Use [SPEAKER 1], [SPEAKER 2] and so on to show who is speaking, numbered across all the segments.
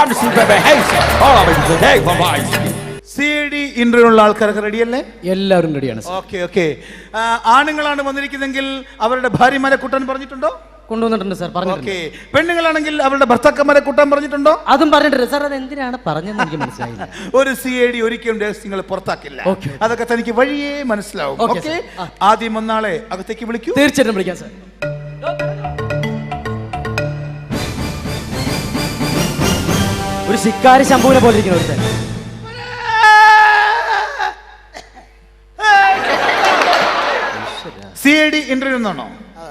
[SPEAKER 1] CD interview ഉള്ള ആൾക്കാരൊക്കെ റെഡിയല്ലേ?
[SPEAKER 2] എല്ലാവരും റെഡിയാണ്.
[SPEAKER 1] Okay okay. ആണുങ്ങളാണ് വന്നിരിക്കുന്നെങ്കിൽ അവരുടെ ഭാര്യമാരെ കൂട്ടാൻ പറഞ്ഞിട്ടുണ്ടോ?
[SPEAKER 2] കൊണ്ടുവന്നിട്ടുണ്ട് സാർ. പറഞ്ഞിട്ടുണ്ട്.
[SPEAKER 1] പെണ്ണുങ്ങളാണെങ്കിൽ അവരുടെ ഭർത്താക്കന്മാരെ കൂട്ടാൻ പറഞ്ഞിട്ടുണ്ടോ?
[SPEAKER 2] അതും പറഞ്ഞിട്ടുണ്ട് സാർ. അത് എന്തിനാണ് പറഞ്ഞതെന്ന് എനിക്ക് മനസ്സിലായില്ല.
[SPEAKER 1] ഒരു CID ഒരിക്കലും രഹസ്യങ്ങൾ പുറത്താക്കില്ല. അതൊക്കെ തനിക്ക് വഴിയേ മനസ്സിലാവും. ഓക്കെ, ആദ്യം ഒന്നാളെ അകത്തേക്ക് വിളിക്കൂ.
[SPEAKER 2] തീർച്ചയായിട്ടും വിളിക്കാം സാർ. ഒരു ശിക്കാരി ശംഭുവിനെ പോലെ ഇരിക്കുന്ന ഒരുത്തൻ.
[SPEAKER 1] CID ഇന്റർവ്യൂ എന്നാണോ?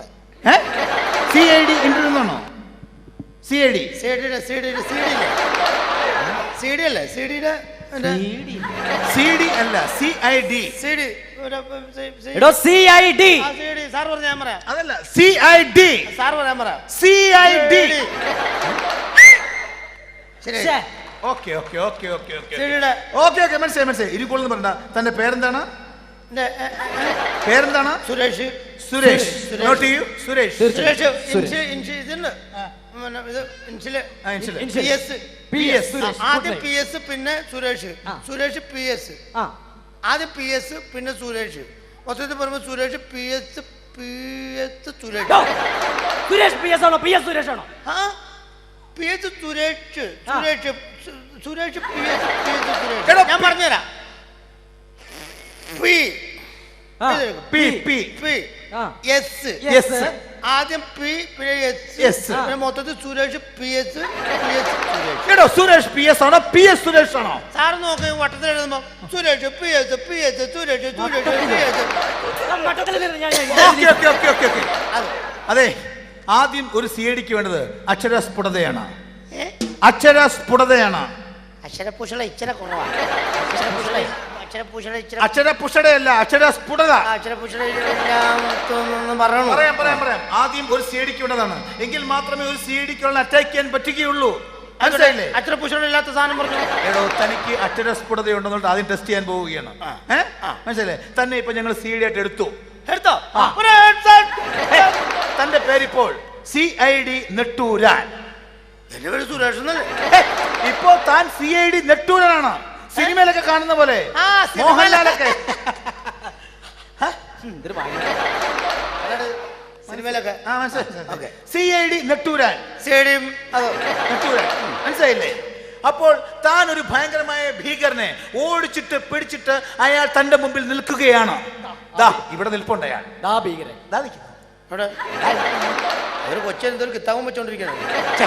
[SPEAKER 1] CID ഇന്റർവ്യൂ എന്നാണോ? CID
[SPEAKER 3] അല്ലേ?
[SPEAKER 1] CD അല്ല, CID.
[SPEAKER 2] എടോ CID.
[SPEAKER 3] സാർ പറഞ്ഞ ഞാൻ പറയാം.
[SPEAKER 1] അതല്ല, CID.
[SPEAKER 3] സാർ പറയാൻ പറയാം.
[SPEAKER 1] CID.
[SPEAKER 3] ശരി.
[SPEAKER 1] Okay okay okay okay okay okay okay മനസ്സിലായി മനസ്സിലായി. ഇരുക്കോളെന്ന് പറഞ്ഞ തന്റെ പേരെന്താണ്? പേരെന്താണ്?
[SPEAKER 3] സുരേഷ്.
[SPEAKER 1] സുരേഷ്. നോട്ട് ചെയ്യൂ. സുരേഷ്.
[SPEAKER 3] ആദ്യം PS പിന്നെ സുരേഷ്. സുരേഷ് PS. ആദ്യം PS പിന്നെ സുരേഷ്. മൊത്തത്തിൽ പറയുമ്പോൾ സുരേഷ് PS സുരേഷ്.
[SPEAKER 2] സുരേഷ് PS ആണോ? PS സുരേഷ് ആണോ?
[SPEAKER 3] PS സുരേഷ്. സുരേഷ് PS സുരേഷ്. ഞാൻ പറഞ്ഞുതരാം. ആദ്യം P പിന്നെ S. മൊത്തത്തിൽ സുരേഷ് PS
[SPEAKER 1] സുരേഷ് PS ആണോ PS സുരേഷ് ആണോ?
[SPEAKER 3] സാറ് നോക്കി വട്ടത്തിൽ എഴുതുമ്പോ സുരേഷ് PS സുരേഷ്.
[SPEAKER 1] അതെ, ആദ്യം ഒരു CIDക്ക് വേണ്ടത് അക്ഷരസ്ഫുടതയാണ്. അക്ഷരസ്ഫുടതയാണ്.
[SPEAKER 3] അക്ഷരപുഷള ഇച്ചിരി കുറവാണ്.
[SPEAKER 1] അക്ഷരപുഷടയല്ല, അക്ഷരസ്ഫുടത.
[SPEAKER 3] പറയാം.
[SPEAKER 1] ആദ്യം ഒരു CIDക്ക് വേണ്ടതാണ്. എങ്കിൽ മാത്രമേ ഒരു CIDക്ക് അറ്റാക്ക് ചെയ്യാൻ പറ്റുകയുള്ളൂ.
[SPEAKER 3] അക്ഷരപുഷളില്ലാത്ത സാധനം പറഞ്ഞു.
[SPEAKER 1] എടോ, തനിക്ക് അക്ഷരസ്ഫുടതയുണ്ടെന്നുള്ളത് ആദ്യം ടെസ്റ്റ് ചെയ്യാൻ പോവുകയാണ്. മനസ്സിലേ? തന്നെ ഇപ്പൊ ഞങ്ങൾ CID ആയിട്ട് എടുത്തോ. തന്റെ പേരിപ്പോൾ CID നെട്ടൂരാൻ.
[SPEAKER 3] എന്റെ പേര് സുരേഷ് എന്നല്ലേ?
[SPEAKER 1] ഇപ്പോ താൻ CID നെട്ടൂരാനാണ്. സിനിമയിലൊക്കെ കാണുന്ന പോലെ, മോഹൻലാലൊക്കെ
[SPEAKER 3] സിനിമയിലൊക്കെ.
[SPEAKER 1] CID നെട്ടൂരാൻ. മനസ്സിലായില്ലേ? അപ്പോൾ താൻ ഒരു ഭയങ്കരമായ ഭീകരനെ ഓടിച്ചിട്ട് പിടിച്ചിട്ട് അയാൾ തന്റെ മുമ്പിൽ നിൽക്കുകയാണ്. ഇവിടെ നിൽപ്പുണ്ട് അയാൾ.
[SPEAKER 3] ഒരു കൊച്ചെന്തൊരു കിത്താവും വെച്ചോണ്ടിരിക്കുന്നത്.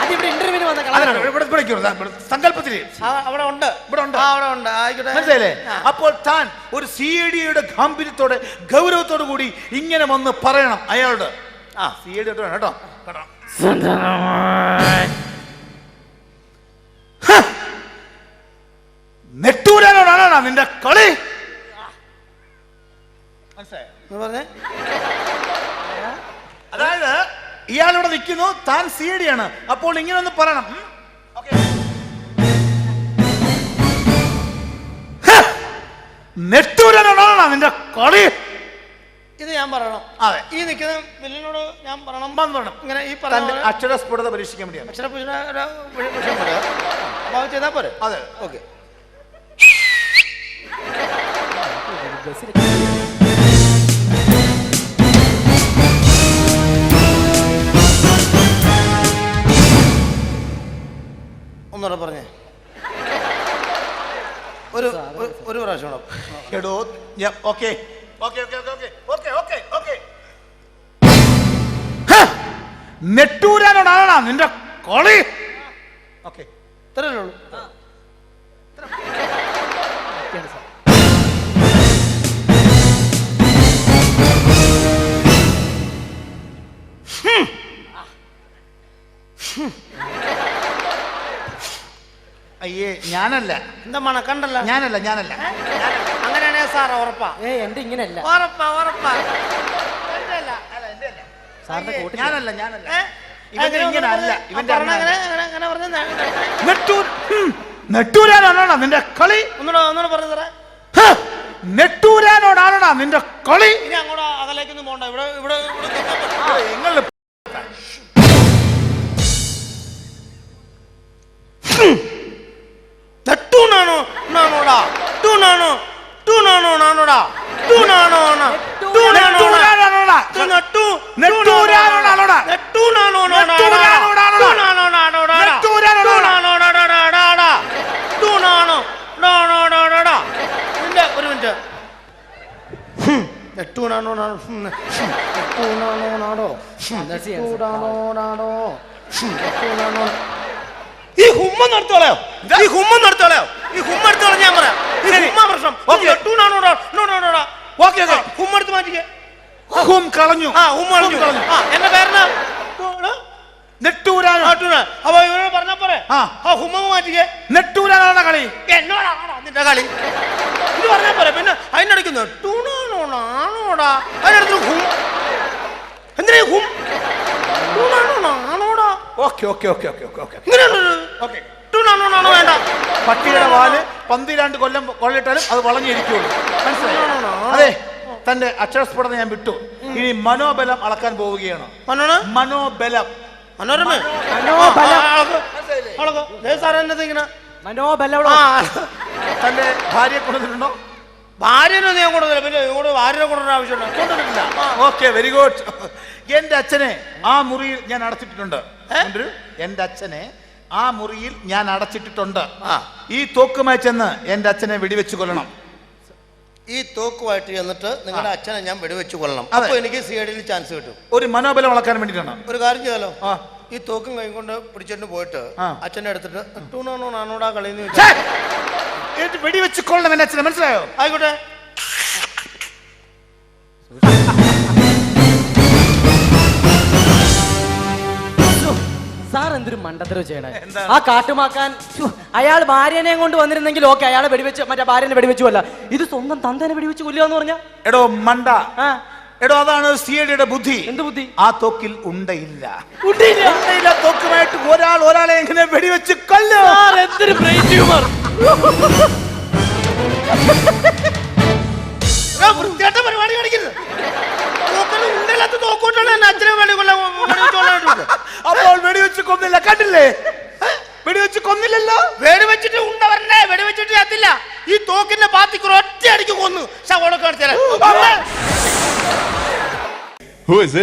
[SPEAKER 1] സങ്കല്പത്തിൽ
[SPEAKER 3] അവിടെ ഉണ്ട്.
[SPEAKER 1] മനസ്സിലായില്ലേ? അപ്പോൾ താൻ ഒരു CIDയുടെ ഗാംഭീര്യത്തോടെ ഗൗരവത്തോടു കൂടി ഇങ്ങനെ വന്ന് പറയണം അയാളോട്. CID കേട്ടോ. നെട്ടൂരാനോടാണോ നിന്റെ കളി?
[SPEAKER 3] പറഞ്ഞേ.
[SPEAKER 1] അതായത് ഇയാളിവിടെ നിൽക്കുന്നു, താൻ CID ആണ്. അപ്പോൾ ഇങ്ങനെ ഒന്ന് പറയണം. നെട്ടൂരാനോടാണോ നിന്റെ കളി?
[SPEAKER 3] ഇത് ഞാൻ പറയണം.
[SPEAKER 1] അതെ,
[SPEAKER 3] ഈ നിൽക്കുന്ന വില്ലിനോട് ഞാൻ പറയണം. ഇങ്ങനെ ഈ
[SPEAKER 1] അക്ഷരസ്ഫുടത പരീക്ഷിക്കാൻ വേണ്ടിയാണ്.
[SPEAKER 3] ചെയ്താൽ പോരെ?
[SPEAKER 1] അതെ,
[SPEAKER 3] ഓക്കെ. ഒന്നുകൂടെ പറഞ്ഞേ. ഒരു പ്രാവശ്യം.
[SPEAKER 1] എടോ, ഓക്കെ. നെട്ടൂരാനോടാണോ നിന്റെ കളി? ഓക്കെ,
[SPEAKER 3] ഇത്രയല്ലേ ഉള്ളൂ.
[SPEAKER 1] അയ്യേ, ഞാനല്ല.
[SPEAKER 3] എന്താ മണക്കണ്ടല്ലോ?
[SPEAKER 1] ഞാനല്ല.
[SPEAKER 3] അങ്ങനെയാണേ സാർ ഉറപ്പാ.
[SPEAKER 2] എന്റെ ഇങ്ങനെയല്ല.
[SPEAKER 3] ഉറപ്പാ.
[SPEAKER 1] ഞാനല്ല. നെട്ടൂരാനോടാണോ നിന്റെ കളി?
[SPEAKER 3] ഒന്നുകൂടെ പറഞ്ഞു തരാം.
[SPEAKER 1] നെട്ടൂരാനോടാണോ നിന്റെ കളി?
[SPEAKER 3] ഇനി അങ്ങോട്ട് അകലേക്കൊന്നും പോണ്ട. ഇവിടെ
[SPEAKER 1] നിങ്ങൾ
[SPEAKER 3] ടൂണാണോ ടൂണാണോ നാണോടാ ടൂണാണോ ഒരു മിനിറ്റ് നെട്ടൂണാണോ ഈ ഹുമ്മ നടത്തോളയോ ഈ ഹുമ്മ നടത്തോളയോ ഈ ഹുമ്മ എടുത്തോളാം ഞാൻ പറയാം ഈ ഹുമ്മ പ്രശ്നം ഹുമ്മ എടുത്ത് മാറ്റിക്കേ
[SPEAKER 1] ഹും കളഞ്ഞു
[SPEAKER 3] ആ ഹുമ്മ കളഞ്ഞു എന്റെ പേരെന്നാ
[SPEAKER 1] നെട്ടൂരാനോ
[SPEAKER 3] അപ്പൊ ഇവരോട് പറഞ്ഞാ പോരെ ആ ഹുമ്മ മാറ്റിക്കേ
[SPEAKER 1] നെട്ടൂരാനാണ് കളി
[SPEAKER 3] എന്നോടാണോടാ നിന്റെ കളി ഇത് പറഞ്ഞാ പോരെ പിന്നെ അതിനിടയ്ക്ക് നെട്ടൂണാണോടാ അതിനടുത്ത് ഹും എന്തിനാ ഹും ടൂണാണോടാ
[SPEAKER 1] okay okay okay okay okay okay
[SPEAKER 3] ഇങ്ങനെയുണ്ട് ടൂണാണോ വേണ്ട
[SPEAKER 1] പട്ടിയുടെ വാല് 12 കൊല്ലം കൊള്ളിട്ടാലും അത് വളഞ്ഞിരിക്കുള്ളൂ മനസ്സിലായോ അതെ തന്റെ അക്ഷരസ്ഫുടത ഞാൻ വിട്ടു ഇനി മനോബലം അളക്കാൻ പോവുകയാണ് മനോബലം
[SPEAKER 3] മനോരമ
[SPEAKER 1] തന്റെ ഭാര്യയെ കൊണ്ടുവന്നിട്ടുണ്ടോ
[SPEAKER 3] ഭാര്യനെ ഞാൻ കൊണ്ടുവന്നില്ല പിന്നെ ഇങ്ങോട്ട് ഭാര്യനെ കൊണ്ടുവരുന്ന ആവശ്യമുണ്ടോ
[SPEAKER 1] ഓക്കെ വെരി ഗുഡ് എന്റെ അച്ഛനെ ആ മുറിയിൽ ഞാൻ അടച്ചിട്ടിട്ടുണ്ട് എന്റെ അച്ഛനെ ആ മുറിയിൽ ഞാൻ അടച്ചിട്ടിട്ടുണ്ട് ഈ തോക്കുമായി ചെന്ന് എന്റെ അച്ഛനെ വെടിവെച്ച് കൊല്ലണം
[SPEAKER 3] ഈ തോക്കുമായിട്ട് ചെന്നിട്ട് നിങ്ങളുടെ അച്ഛനെ ഞാൻ വെടിവെച്ച് കൊല്ലണം അപ്പൊ എനിക്ക് സിഐഡിയിൽ ചാൻസ് കിട്ടും
[SPEAKER 1] ഒരു മനോബലം വളക്കാൻ വേണ്ടിയിട്ടാണ്
[SPEAKER 3] ഒരു കാര്യം ചെയ്താലോ ഈ തോക്കും കൈ കൊണ്ട് പിടിച്ചിട്ട് പോയിട്ട് അച്ഛനെ എടുത്തിട്ട് ടൂണാണോ നാണോടാ കളിന്ന്
[SPEAKER 1] വെടിവെച്ച് കൊള്ളണം എന്റെ അച്ഛനെ മനസ്സിലായോ
[SPEAKER 3] ആയിക്കോട്ടെ
[SPEAKER 2] സാർ എന്തൊരു മണ്ടത്തരവ് ചെയ്യണേ ആ കാട്ടുമാക്കാൻ അയാൾ ഭാര്യനെ കൊണ്ട് വന്നിരുന്നെങ്കിൽ ഓക്കെ അയാളെ വെടിവെച്ച് മറ്റേ ഭാര്യനെ വെടിവെച്ചു കൊല്ല ഇത് സ്വന്തം തന്തേനെ വെടിവെച്ച് കൊല്ലുക എന്ന് പറഞ്ഞ
[SPEAKER 1] എടോ മണ്ട എടോ അതാണ് സിഐഡിയുടെ ബുദ്ധി
[SPEAKER 2] എന്ത് ബുദ്ധി
[SPEAKER 1] ആ തോക്കിൽ ഉണ്ടയില്ല തോക്കുമായിട്ട് ഒരാളെ എങ്ങനെ വെടിവെച്ച് കൊല്ലോ
[SPEAKER 2] എന്തൊരു ബ്രെയിൻ ട്യൂമർ
[SPEAKER 3] വൃത്തിയായിട്ട പരിപാടി കാണിക്കുന്നത്
[SPEAKER 1] അപ്പോൾ വെടിവെച്ച് കൊന്നില്ല കണ്ടില്ലേ വെടിവെച്ച് കൊന്നില്ലല്ലോ
[SPEAKER 3] വെടിവെച്ചിട്ട് ഉണ്ട വരണ്ടേ വെടിവെച്ചിട്ട് ചത്തില്ല ഈ തോക്കിന്റെ പാത്തിക്ക് ഒറ്റ അടിക്ക് കൊന്നു